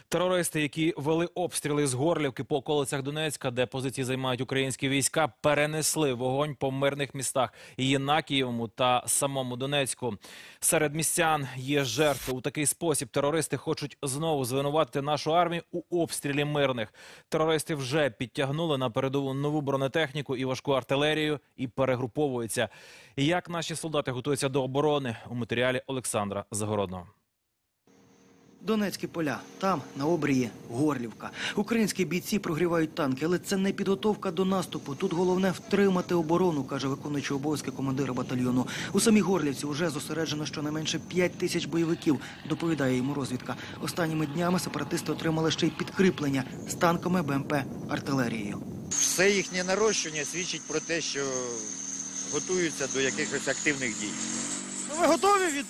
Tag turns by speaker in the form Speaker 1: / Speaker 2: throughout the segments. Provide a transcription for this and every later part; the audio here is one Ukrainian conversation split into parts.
Speaker 1: Терористи, які вели обстріли з Горлівки по околицях Донецька, де позиції займають українські війська, перенесли вогонь по мирних містах Єнакієвому та самому Донецьку. Серед містян є жертви. У такий спосіб терористи хочуть знову звинуватити нашу армію у обстрілі мирних. Терористи вже підтягнули на передову нову бронетехніку і важку артилерію і перегруповуються. Як наші солдати готуються до оборони? У матеріалі Олександра Загородного.
Speaker 2: Донецькі поля. Там, на обрії, Горлівка. Українські бійці прогрівають танки, але це не підготовка до наступу. Тут головне втримати оборону, каже виконуючий обов'язки командира батальйону. У самій Горлівці вже зосереджено щонайменше 5 тисяч бойовиків, доповідає йому розвідка. Останніми днями сепаратисти отримали ще й підкріплення з танками, БМП, артилерією.
Speaker 3: Все їхнє нарощення свідчить про те, що готуються до якихось активних дій.
Speaker 2: Ви готові від...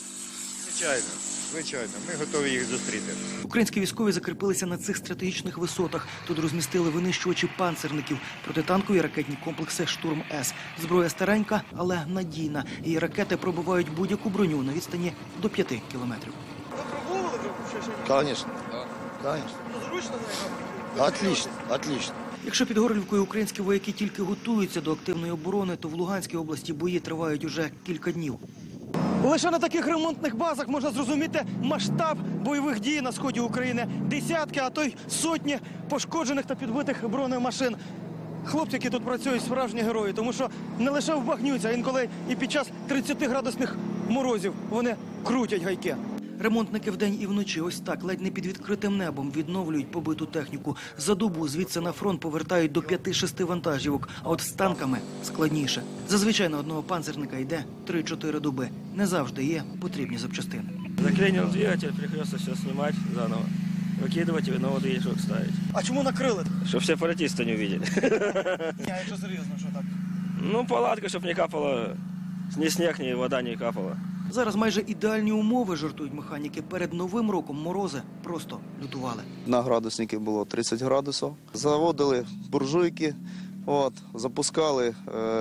Speaker 3: Звичайно, ми готові їх зустріти.
Speaker 2: Українські військові закріпилися на цих стратегічних висотах. Тут розмістили винищувачі панцерників, протитанкові ракетні комплекси «Штурм-С». Зброя старенька, але надійна. Її ракети пробивають будь-яку броню на відстані до 5 кілометрів.
Speaker 4: Ви пробували вже?
Speaker 5: Конечно. Конечно.
Speaker 4: Зручно?
Speaker 5: Отлично, отлично.
Speaker 2: Якщо під Горлівкою українські вояки тільки готуються до активної оборони, то в Луганській області бої тривають уже кілька днів. Лише на таких ремонтних базах можна зрозуміти масштаб бойових дій на сході України. Десятки, а то й сотні пошкоджених та підбитих бронемашин. Хлопці, які тут працюють, справжні герої, тому що не лише вбагнються, а інколи і під час 30-градусних морозів вони крутять гайки. Ремонтники вдень і вночі ось так, ледь не під відкритим небом, відновлюють побиту техніку. За добу звідси на фронт повертають до 5-6 вантажівок, а от з танками складніше. Зазвичай на одного панцерника йде 3-4 доби. Не завжди є потрібні запчастини.
Speaker 6: Заклинил двигатель, приходится все снимать заново, выкидывать и новый движок ставить.
Speaker 4: А чому накрили?
Speaker 6: Чтобы все сепаратисты не увидели.
Speaker 4: Ні, якщо серйозно, що так?
Speaker 6: Ну, палатка, чтобы не капало, ни снег, ни вода не капала.
Speaker 2: Зараз майже ідеальні умови, жартують механіки. Перед Новим роком морози просто лютували.
Speaker 5: На градуснику було 30 градусів. Заводили буржуйки, запускали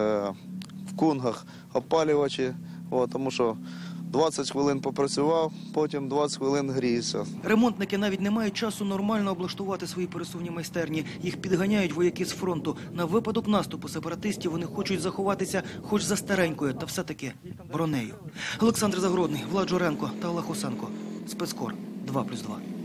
Speaker 5: в кунгах опалювачі, тому що 20 хвилин попрацював, потім 20 хвилин грівся.
Speaker 2: Ремонтники навіть не мають часу нормально облаштувати свої пересувні майстерні. Їх підганяють вояки з фронту. На випадок наступу сепаратистів вони хочуть заховатися хоч за старенькою, та все-таки бронею. Олександр Загородний, Влад Журенко та Олег Осенко. Спецкор 2+2.